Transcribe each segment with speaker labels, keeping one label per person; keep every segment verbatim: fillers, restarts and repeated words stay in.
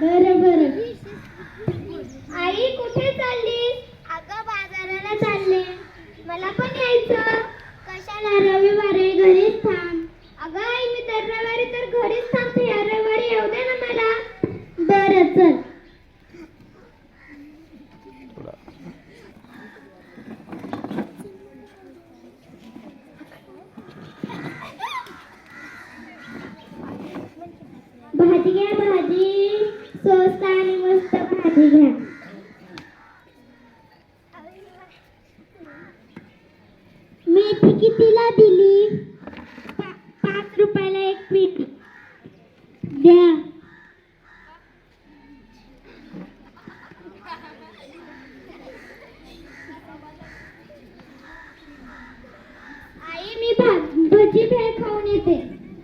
Speaker 1: बरं बरं. आई कुठे चाललीस? अगं बाजाराला चालले. मला पण यायचं. कशाला? रविवार आहे, घरीच थांब. अगं आई मी तर रविवारी तर घरीच थांबते. या रविवारी येऊ दे ना मला. बरं चल. भाजी घ्या, भाजी स्वस्त आणि मस्त भाजी घ्या. मेथी कितीला दिली? पा- पाच रुपयाला एक पेटी द्या. आई मी भा भजी भेळ खाऊन येते.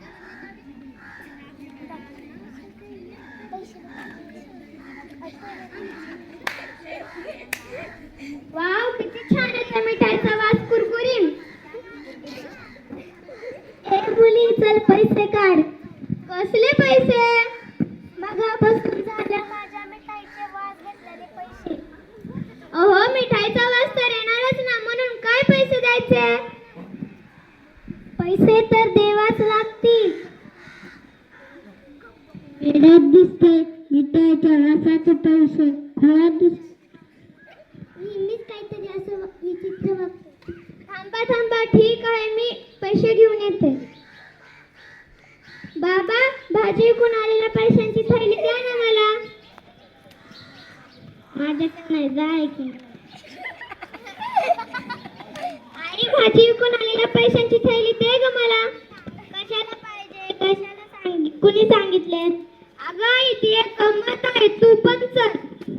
Speaker 1: वाव किती छान आहे मिठाईचा वास, कुरकुरीत. ए मुली चल पैसे काढ. कसले पैसे? मगापासून झाल्या माझ्या मिठाईचे वास घेतलेले पैसे. अहो मिठाईचा वास तर येणारच ना, म्हणून काय पैसे द्यायचे? पैसे तर देवाच लागतील. वेड्यात दिसते मिठाईच्या वासाचे पैसे. खराब दिसते. नेहमीच काहीतरी असं विचित्र वागते. थांबा थांबा, ठीक आहे मी पैसे घेऊन येते. बाबा भाजी विकून आलेल्या पैशांची थैली द्या ना मला. माझ्याकडे नाही, जा ऐकून. आई भाजी विकून आलेल्या पैशांची थैली दे ग मला. कशाला पाहिजे? कशाला सांग कुणी सांगितले? अगं आई ती एक गंमत आहे, तू पण चल.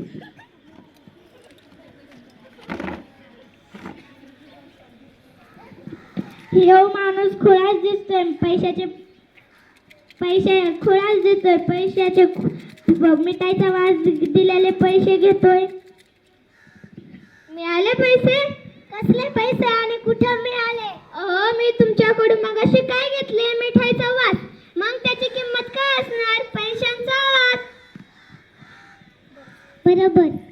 Speaker 1: ह्यो माणूस खुळाच दिसतोय. पैशाचे पैसे खुळाच दिसतोय. पैशाचे मिठाईचा वास दिलेले पैसे घेतोय. मिळाले पैसे? कसले पैसे आणि कुठे मिळाले? अहो मी तुमच्याकडून मगाशी काय घेतले? मिठाईचा वास. मग त्याची किंमत काय असणार? पैशांचा वास. बरोबर.